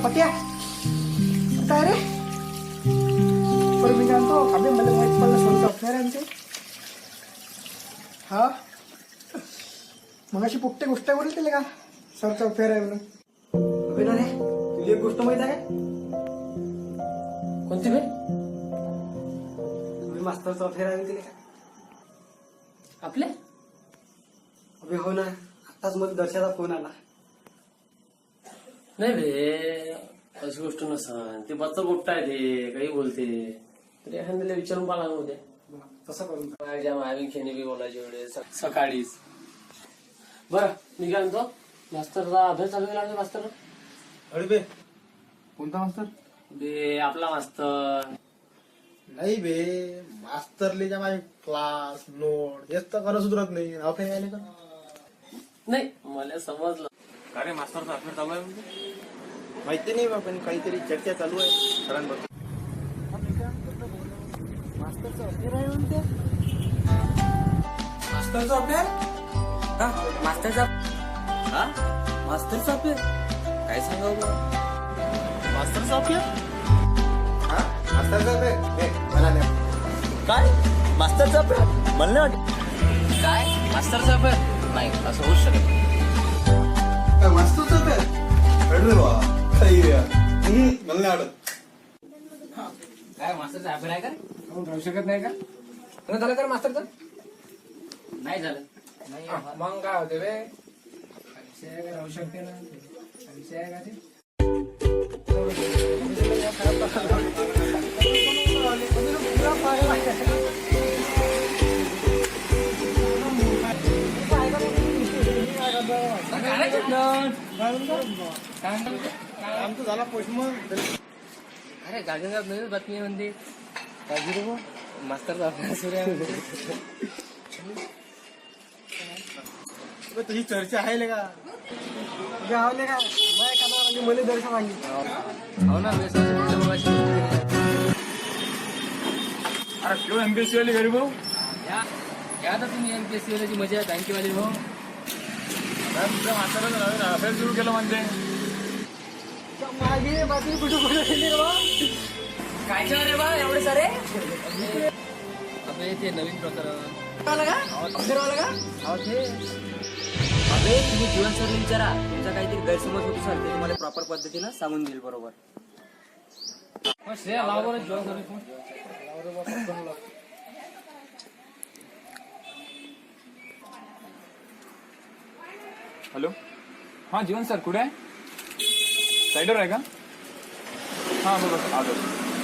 पट्या काय रे बरं मी सांगतो अबे मला माहित पडलं स्वतः अफेअर आहे आमचे हा मग अशी पुट्टे गोष्ट बोलते का सरचं अफेअर आहे म्हणून अबे ना रे तुला एक गोष्ट माहित आहे कोणती बे? तुम्ही मास्तरचं अफेअर आहे म्हणते का आपले अबे हो ना आताच मला दर्शनाचा फोन आला नाही बे अशी गोष्ट नसन ते बच्चा गोष्ट आहे ते काही बोलते तरी एखाद्याला विचारून पाहा लागू उद्या तसं करून माझ्या मावी खेणी बी बोलायची वेळे सकाळीच बरं मी काय म्हणतो मास्तरचा अभ्यास चालू केला मास्तर अरे बे कोणता मास्तर? बे आपला मास्तर नाही बे मास्तरले माझे क्लास नोट हेच तर खरं सुधरत नाही अफे आले का नाही मला समजलं अरे मास्तरचा अफेअर चालू आहे म्हणजे माहिती नाही बा पण काहीतरी चर्चा चालू आहे सरांबद्दल. मास्तरचं अफेअर आहे म्हणते मास्टरचा अफेअर हा मास्टरचा हा मास्टरचा अफेअर काय सांगावं बरं? मास्तरचा अफेअर? हा मास्तरचा अफेअर? हे, मला नाही. काय मास्टरचा अफेअर मला नाही वाटत. काय मास्टरचा अफेअर नाही असं होऊच शकत नाही. मास्तरचा अफेअर? अडलं बा काही मला नाही आवडत. काय मास्टरचा अफेअर आहे का आपण राहू शकत नाही का तुला झालं का मास्टरचं नाही झालं नाही मग काय होते बे राहू शकते ना विषय आहे का ते आमचं झाला पोषमन. अरे गाडीवर नवीन बातमी आहे म्हणते मास्तरचा अभ्यास सुरू आहे म्हणते. तुझी चर्चा आहे का गावले का माय कामा म्हणजे मला दर्शन सांगितलं हो ना मी पुढच्या मुलाची गोष्ट केली आहे. अरे क्यों एमपीएससी वाली गरीब हो या तर तुम्ही एमपीएससी वाल्याची मजा बँकेवाली हो तुमच्या मास्तरानं अफेअर सुरू केलं म्हणते. मागे बातमी कुठे कुठे गेली रे बा काय रे बा एवढे सारे अबे ते नवीन प्रकरण आला का अफेअर आला का अहो ते अबे तुम्ही जीवन सर विचारा तुमचा काहीतरी गैरसमज होतो सर ते तुम्हाला प्रॉपर पद्धतीनं सांगून देईल बरोबर. श्रेया लावा बरं जेवण करू फोन. हॅलो हां जीवन सर कुठे आहे साईडवर आहे का हां बरोबर आलो.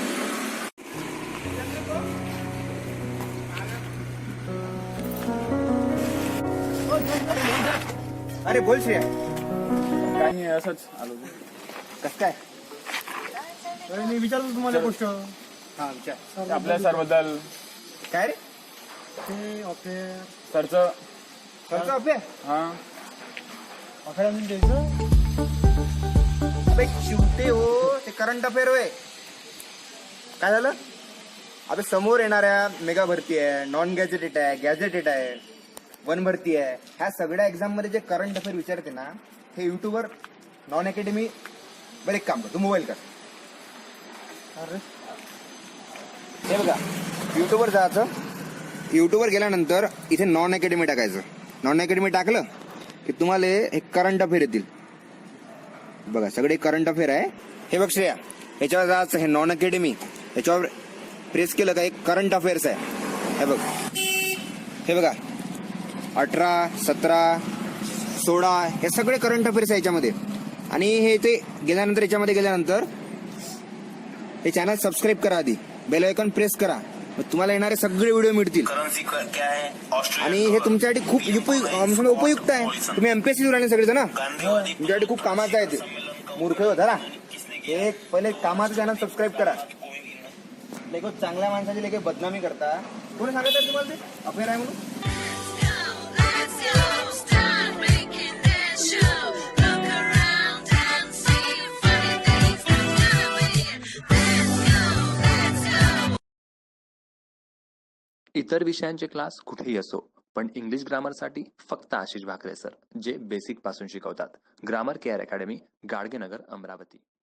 अरे बोल श्रेया काही नाही असंच आलो. कस काय अरे मी विचारतो तुम्हाला गोष्ट. हा विचार. आपल्या सरबद्दल काय रे ते अफेअर सरचं खर्च अफेअर हां अफेअर म्हणून द्यायचं अबे चिवते हो ते करंट अफेअर होय. काय झालं अबे समोर येणाऱ्या मेगा भरती आहे नॉन गॅजेटेड आहे गॅजेटेड आहे वन भरती आहे ह्या सगळ्या एक्झाम मध्ये जे करंट अफेअर विचारते ना हे युट्यूबवर नॉन अकॅडमी बरं एक काम कर तू मोबाईल कर. अरे हे बघा युट्यूबवर जायचं युट्यूबवर गेल्यानंतर इथे नॉन अकॅडमी टाकायचं. नॉन अकॅडमी टाकलं की तुम्हाला हे करंट अफेअर येतील. बघा सगळे करंट अफेअर आहे. हे बघ श्रेया याच्यावर जायचं हे नॉन अकॅडमी याच्यावर प्रेस केलं का एक करंट अफेअर्स आहे. हे बघा 18, 17, 16 हे सगळे करंट अफेअर्स आहे याच्यामध्ये. आणि हे ते गेल्यानंतर याच्यामध्ये गेल्यानंतर हे चॅनल सबस्क्राईब करा आधी बेल आयकॉन प्रेस करा मग तुम्हाला येणारे सगळे व्हिडिओ मिळतील. आणि हे तुमच्यासाठी खूप उपयुक्त आहे. तुम्ही एमपीएससी राहिले सगळे ना तुमच्यासाठी खूप कामाचं आहे ते. मूर्ख होता ना हे पहिले कामाचं चॅनल सबस्क्राईब करा. लेखो चांगल्या माणसाची लेखे बदनामी करता कोणी सांगत तुम्हाला ते अफेअर आहे म्हणून. इतर विषयांचे क्लास कुठेही असो पण इंग्लिश ग्रामरसाठी फक्त आशिष भाकरे सर जे बेसिक पासून शिकवतात. Grammar care academy, Gadgenagar, Amravati.